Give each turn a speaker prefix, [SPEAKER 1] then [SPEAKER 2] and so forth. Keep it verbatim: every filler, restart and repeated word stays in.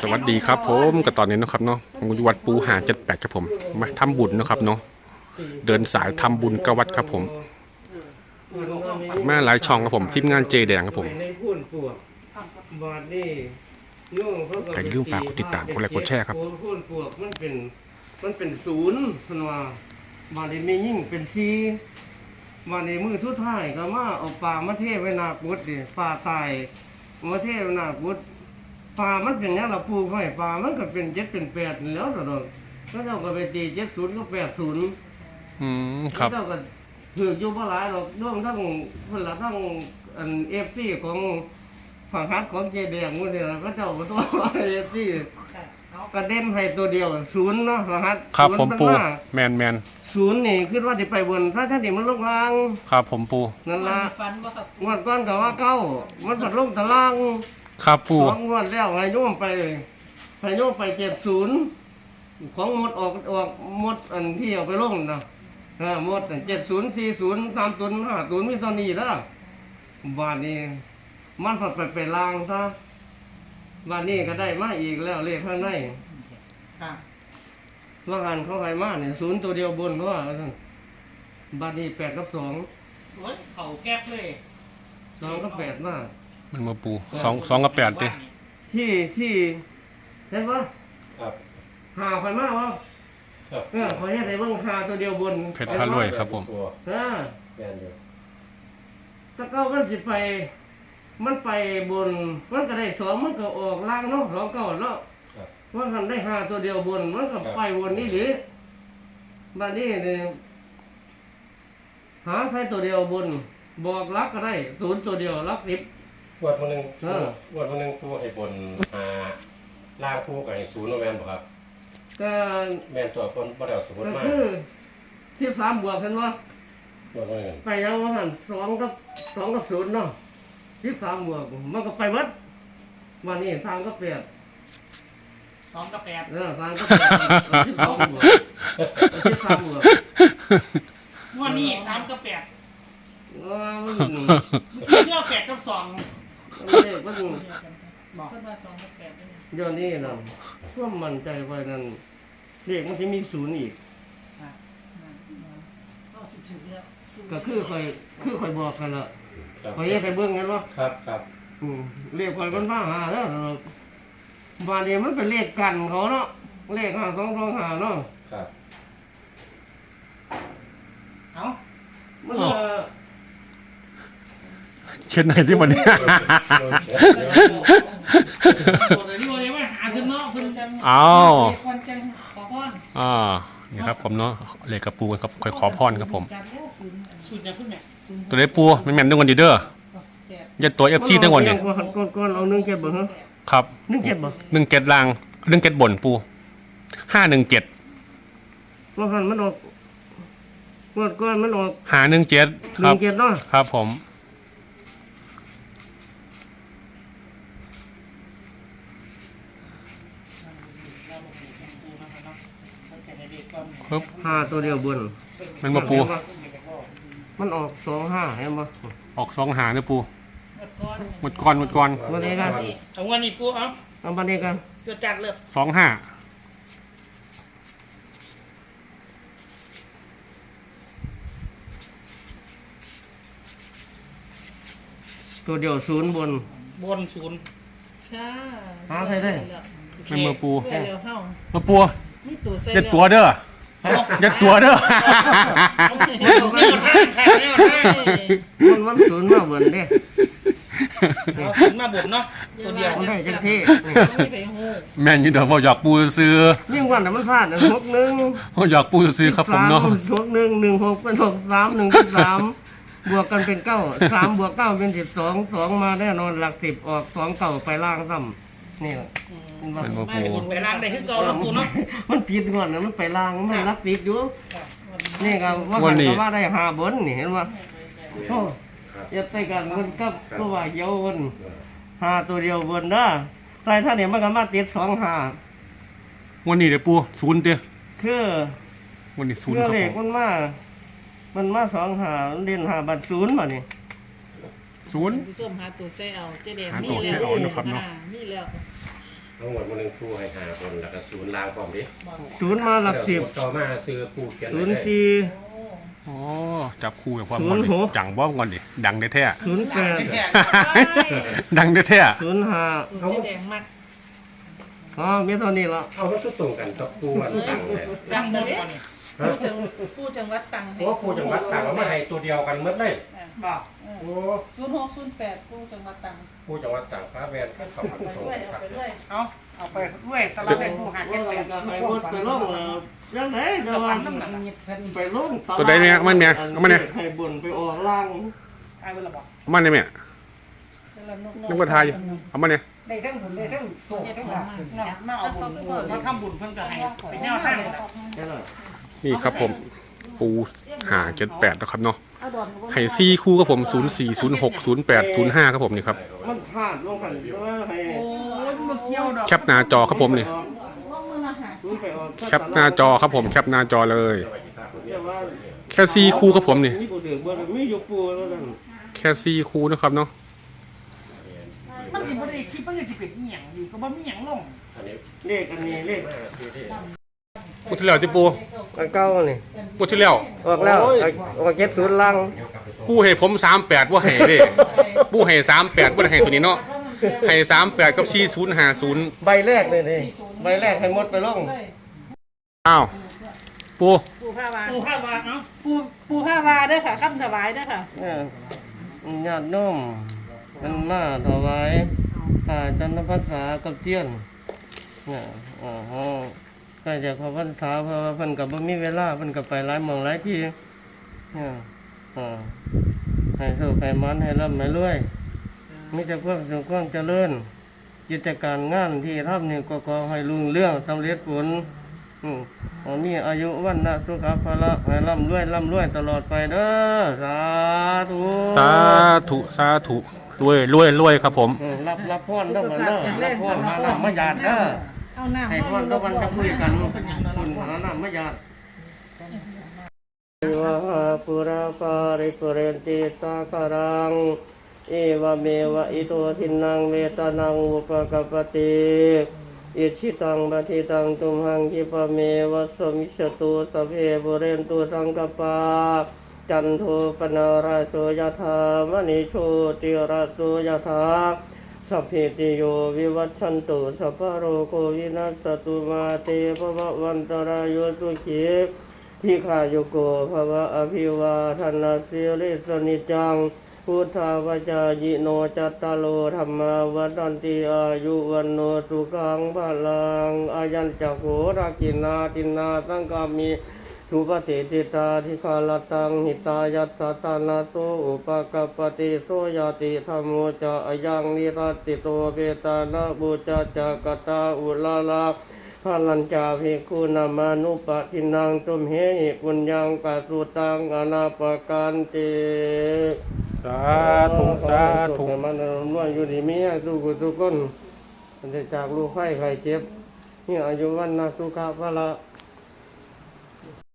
[SPEAKER 1] สวัสดีครับผมกับตอนนี้นะครับเนาะผมอยู่วัดปูหาเจ็ดแปดครับผมมาทำบุญนะครับเนาะเดินสายทำบุญกับวัดครับผมมาหลายช่องครับผมทีมงานเจแดงครับผมใครอย่าลืมฝากกดติดตามกดไลค์กดแชร์ครับ
[SPEAKER 2] พูนปวกมันเป็นมันเป็นศูนย์พันว่าบาดนี้ยิ่งเป็นซีบาดนี้มือทุกท่ายก็มาเอาปลามาเทไว้นาปุดดิปลาตายมาเทไว้นาปุดปลามันเป็นอย่างเราปลูกไว้ปลามันก็เป็นเจ็ดเป็นแปดแล้วตลอดแล้วเราก็ไปตีเจ็ดศูนย์ก็แปดศูนย์
[SPEAKER 1] อืมครับ
[SPEAKER 2] แล้วก็ถืออยู่บ่หลายหรอกด้วงทั้งคนละทั้งอันเอฟซีของฝั่งฮัทของเจแดงพวกนี้ก็เจ้าก็ตัวเอฟซีกระเด็นให้ตัวเดียวศูนย์เนาะฝั่งฮัท
[SPEAKER 1] ครับผมปูแมนแมน
[SPEAKER 2] ศูนย์นี่คิดว่าจะไปบนถ้าถ้าที่มันลงล่าง
[SPEAKER 1] ครับผมปู
[SPEAKER 2] นั่นละงวดก้อนกับว่าเก้ามันปัดลงตะล่าง
[SPEAKER 1] ครับปู
[SPEAKER 2] สองงวดแล้วให้โยมไปให้โยมไปเจ็ดศูนย์ของหมดออกออกหมดอันที่เอาไปลงนะหมดเจ็ดศูนย์สี่ศูนย์สามศูนย์ห้าศูนย์มีตอนนี้แล้วบาทนี้มันผัดไปไปล่างซะบาทนี้ก็ได้มาอีกแล้วเลขข้างในว่าหันเข้าไปมาเนี่ยศูนย์ตัวเดียวบนเพราะว่าบาทนี้แปดกับสอง
[SPEAKER 3] เขาแก๊บเลย
[SPEAKER 2] สองกับแปดมา
[SPEAKER 1] มันมาปูสองสองกับแปดดิ
[SPEAKER 2] ที่ที่เห็นปะ
[SPEAKER 4] ครับ
[SPEAKER 2] หาไปมากวะเออขอให้ได้เบิ่งหาตัวเดียวบน
[SPEAKER 1] เพชรพารวยครับผม
[SPEAKER 2] เออ
[SPEAKER 4] แมนอยู่
[SPEAKER 2] ถ้าเก้ามันสิไปมันไปบนมันก็ได้สองมันก็ออกล่างเนาะสองเก้าเนาะว่าหันได้หาตัวเดียวบนมันก็ไปบนนี่หรือบ้านนี้เนี่ยหาใช้ตัวเดียวบนบอกรักก็ได้ศูนย์ตัวเดียวรักสิบ
[SPEAKER 4] วัดวันหนึ่งวัดวันหนึ่งตัวไอ้บนอ่าล่างคู่กับไอ้ศูนย์โนแมนบ่ครับ
[SPEAKER 2] ก็
[SPEAKER 4] แมนตัวคนบ่ได้เอาสมมติมา
[SPEAKER 2] คือที่สามบวกเห็นว่า
[SPEAKER 4] วัดวันหนึ่ง
[SPEAKER 2] ไปยังว่าหันสองกับสองกับศูนย์เนาะที่สามบวกมันก็ไปวัดวันนี้สามก็แปด
[SPEAKER 3] สองกับแปด
[SPEAKER 2] เออสามก็แปดที่สองบวกที่สามบวก
[SPEAKER 3] วันนี้สามกับแปด
[SPEAKER 2] ว้ามัน
[SPEAKER 3] เที่ยวแปดกับสอง
[SPEAKER 2] เลขมัน
[SPEAKER 3] บอกขึ้นมาสองกับแปด
[SPEAKER 2] ย้อนนี่นะเพื่อมั่นใจไว้นั่นเลขมันจะมีศูนย์อีกก็คือคอยคือคอยบอกกันละคอยแยกไปเบื้องกันวะ
[SPEAKER 4] ครับครับ
[SPEAKER 2] เลขคอยมันผ้าหาแล้วบานี้มันเป็นเลขกันเขาเนาะเลขห้าสองสองห้าเนาะ
[SPEAKER 4] ครับ
[SPEAKER 3] เอา
[SPEAKER 2] มัน
[SPEAKER 1] เช่นไหนที่วันนี้อ้าวอ่านี่ครับผมเนาะเลขกระปูครับคอยขอพรครับผมตัวเลขปูมันแม่นด้วยกันดีเด้อยัดตัวเอฟซีทั้งวันนี่
[SPEAKER 2] ก้อนเอาหนึ่งเจ็ดบ่ฮะ
[SPEAKER 1] ครับ
[SPEAKER 2] หนึ่งเจ็ดบ่
[SPEAKER 1] หนึ่งเจ็ดลางหนึ่งเจ็ดบนปูห้าหนึ่งเจ็ด
[SPEAKER 2] ว่าหันมันออกก้อนก้อนมันออก
[SPEAKER 1] หาหนึ่งเจ็ด
[SPEAKER 2] หนึ่งเจ็ดเนาะ
[SPEAKER 1] ครับผม
[SPEAKER 2] ห้าตัวเดียวบน
[SPEAKER 1] มันมาปู
[SPEAKER 2] มันออกสองห้าเห็นปะ
[SPEAKER 1] ออกสองหาเนี่ยปูหมดก่อนหมดก่อน
[SPEAKER 2] มาเดียกัน
[SPEAKER 3] เอาวันนี้ปูเอา
[SPEAKER 2] เอามาเดียกัน
[SPEAKER 3] ตัวจัดเลย
[SPEAKER 1] สองห้า
[SPEAKER 2] ตัวเดียวศูนย์บน
[SPEAKER 3] บนศูนย์ใช่
[SPEAKER 2] หาใครได้
[SPEAKER 1] มันมาปู
[SPEAKER 3] มา
[SPEAKER 1] ปูยัดตัวเด้อยัดตัวเด้อ
[SPEAKER 2] มันมันศูนย์มาบนเด้
[SPEAKER 3] ศูนย์มาบนเนาะตัวเดียว
[SPEAKER 2] มันได้จังที่
[SPEAKER 1] แม่นอยู่เดี๋ยวพออยากปูซื้อ
[SPEAKER 2] ยิ่งวันแต่มันพลาดหกหนึ่ง
[SPEAKER 1] พออยากปูซื้อครับผมเนาะ
[SPEAKER 2] หกหนึ่งหนึ่งหกเป็นหกสามหนึ่งสามบวกกันเป็นเก้าสามบวกเก้าเป็นสิบสองสองมาแน่นอนหลักสิบออกสองเก้าไปล่างซ้ำนี่
[SPEAKER 1] มันมาปู
[SPEAKER 3] ไปล่างได้คือเก่าแล้วปูเนาะ
[SPEAKER 2] มันติดก่อนนะมันไปล่างมันรักติดอยู่นี่ครับว่าเขาว่าได้หาบนนี่เห็นว่าโอ้ยาไต่กันมันกับก็ว่าเยาวบนหาตัวเดียวบนนะใส่ท่านเนี่ยมันก็มาติดสองหา
[SPEAKER 1] วันนี้เดี๋ยวปูศูนย์เดียว
[SPEAKER 2] คือ
[SPEAKER 1] วันนี้ศูนย์
[SPEAKER 2] ครับผมมันมามันมาสองหาเรียนหาบัตรศูนย์มาเนี่ย
[SPEAKER 1] ศูนย์
[SPEAKER 3] ผู้ชมหาตัวเซลเจเดม
[SPEAKER 1] มีแล้วนะครับเนาะ
[SPEAKER 3] มีแล้ว
[SPEAKER 4] ทั้งหมดมันหนึ่งปูให้หาคนแล้วก็ศูนย์ลางพร้อมดิ
[SPEAKER 2] ศูนย์มาหลักสิบ
[SPEAKER 4] ต่อมาซื้อปูเขียน
[SPEAKER 2] ศู
[SPEAKER 4] ไว้
[SPEAKER 2] นย์
[SPEAKER 4] เลย
[SPEAKER 2] สี่
[SPEAKER 1] อ๋อจับคู่กับความ
[SPEAKER 2] ศู
[SPEAKER 1] ก่อน
[SPEAKER 2] นย์
[SPEAKER 1] ดิ
[SPEAKER 2] หก
[SPEAKER 1] จังบ้อมก่อนดิดังได้แท้
[SPEAKER 2] ศูนย์แปด
[SPEAKER 3] แค่
[SPEAKER 1] ดังได้แท้
[SPEAKER 2] ศูนย์ห้า
[SPEAKER 5] เจ๊แดงมาก
[SPEAKER 2] อ๋อมีเท่านี้ละ
[SPEAKER 4] เอามันก็ตรงกันกับปูอันตังเลย
[SPEAKER 5] จังเลยผู้จังผู้จังหวัดตัง
[SPEAKER 4] เพราะว่าปูจังหวัดต่างเอามาให้ตัวเดียวกันหมดเลย
[SPEAKER 3] บอก
[SPEAKER 4] โอ้
[SPEAKER 5] ศูนย์หกศูนย์แปดผู้จังหวัดตัง
[SPEAKER 4] ปูจังหวัดต่างฟ้าแวนก็เข้ามา
[SPEAKER 5] ไป
[SPEAKER 4] ตรง
[SPEAKER 5] ด้วย
[SPEAKER 4] กัน
[SPEAKER 5] เอาไปด้วย
[SPEAKER 3] เอาเอาไปด้วยสลับเป็นผู้หา
[SPEAKER 2] ว่า
[SPEAKER 3] เก็บ
[SPEAKER 2] เรา
[SPEAKER 3] แปด
[SPEAKER 2] จะให้รถไปลงแล้วยังไงจะว่าไปลง
[SPEAKER 1] ตัวใดเนี่ยมันเนี่ยเอามาเนี่ย
[SPEAKER 2] ให้บนไปออกล่าง
[SPEAKER 3] ไอ้เวลาบอก
[SPEAKER 1] เอามันเนี่ยแม่
[SPEAKER 5] จะละนก
[SPEAKER 1] นึกว่าทายอยู่เอามันเนี่ย
[SPEAKER 3] ได้ทั้งบุญได้ทั้งโศกทั้งหลักมาเอาบุญมาทำบุญเพิ่นก็ให้ไปแนวทาง
[SPEAKER 2] แค่นั้น
[SPEAKER 1] นี่ครับผมปูหาเจ็ดแปดนะครับเนาะให้ซีคู่ครับผมศูนย์สี่ศูนย์หกศูนย์แปดศูนย์ห้าครับผมนี่ครับ
[SPEAKER 2] มันพลาดลงกันว่าให้
[SPEAKER 3] โอ้ยมาเกี่ยวดอก
[SPEAKER 1] แคปหน้าจอครับผมนี่
[SPEAKER 2] ศูนย์ไปออก
[SPEAKER 1] แคปหน้าจอครับผมแคปหน้าจอเลย
[SPEAKER 2] แต่ว่า
[SPEAKER 1] แค่ซีคู่ครับผมนี่
[SPEAKER 2] มีผู้ถือบ่ได้มีอยู่ปูแล้วกัน
[SPEAKER 1] แค่ซีคู่นะครับเนาะ
[SPEAKER 3] มันสิบ่ได้คิดมันสิเป็นอีหยังอยู่ก็บ่มีหยังลง
[SPEAKER 4] อันนี้
[SPEAKER 2] เลขอันนี้เลข
[SPEAKER 4] คือที่
[SPEAKER 1] พูดที่แล้วที่ปู
[SPEAKER 2] อันเก้านี่
[SPEAKER 1] พูดที่แล้ว
[SPEAKER 2] ออกแล้วออกเจ็ดศูนย์ล่าง
[SPEAKER 1] ปูให้ผมสามแปดว่าให้เด้ปูให้สามแปดว่าให้ตัวนี้เนาะให้สามแปดกับซีศูนย์ห้าศูนย์
[SPEAKER 2] ใบแรกเลยนี่ใบแรกให้หมดไปลง
[SPEAKER 1] อ้าวปู
[SPEAKER 5] ปูผ้าวา
[SPEAKER 3] ปูข้าวว่าเนาะ
[SPEAKER 5] ปูปูผ้าวาเด้อค่ะคำถวายเด้อค่ะ
[SPEAKER 2] เนี่ยญาติโน้มมันมาถวายผ่าจันทภาษากับเตี้ยนเนี่ยอ๋อใกล้จะเข้าพรรษาเพราะว่าเพิ่นก็บ่มีเวลาเพิ่นก็ไปหลายหม่องหลายที่เนี่ยอ่าให้สุขให้มันให้ร่ำให้รวยมีแต่ความสุขความเจริญกิจการงานที่ทำนี่ก็ขอให้รุ่งเรืองสำเร็จผลอืมขอมีอายุวันนะสุขภาระให้ร่ำรวยร่ำรวยตลอดไปเด้อสาธุ
[SPEAKER 1] สาธุสาธุรวยรวยรวยครับผม
[SPEAKER 2] อืมรับรับพรต้องกันเด้อรับพรมาน้ำมาหยาดเด้อ
[SPEAKER 5] เอาน้ำ
[SPEAKER 2] ให้พรตะวันจะคุยกันคุณหาน้ำมาหยาดวะหาปุราปาริปุเรนติสาคารังเอวเมวะอิโตทินังเวตานังอุปกปปติอิชิตังปฏิตังตุมหังคิปะเมวะสมิชตุสพเพปุเรนตุสังกปาจันโทปนาราโสยธามณิโชติราโสยธาสัพพิติโยวิวัชชันตุสัพพะโรโควินัสสตุมาเตภวะวันตรายโยสุขีทิขายุโกภวะอภิวาทนาสิริสนิจังพุทธาวจายิโนจัตตาโลธรรมาวัฏันติอายุวันโนสุขังพลังอายัญจักโหรากินาตินาสังกามิสุปฏิติตาทิคาลตังหิตายัตตตานาโตอุปกปปติโสยติธรรมโมจะอายังนิรัตติโตเปตานะบูจาจักตาอุลาลาพลัญจาภิกขุนามานุปทินังตุมเหหิปุญญังปัสสุตังอนาปกันติ
[SPEAKER 1] สาธุสาธุ
[SPEAKER 2] มันรวยอยู่ดีมีให้สุขทุกคนมันจะจากลูกไข้ไข้เจ็บนี่อายุวันนะสุขภาละ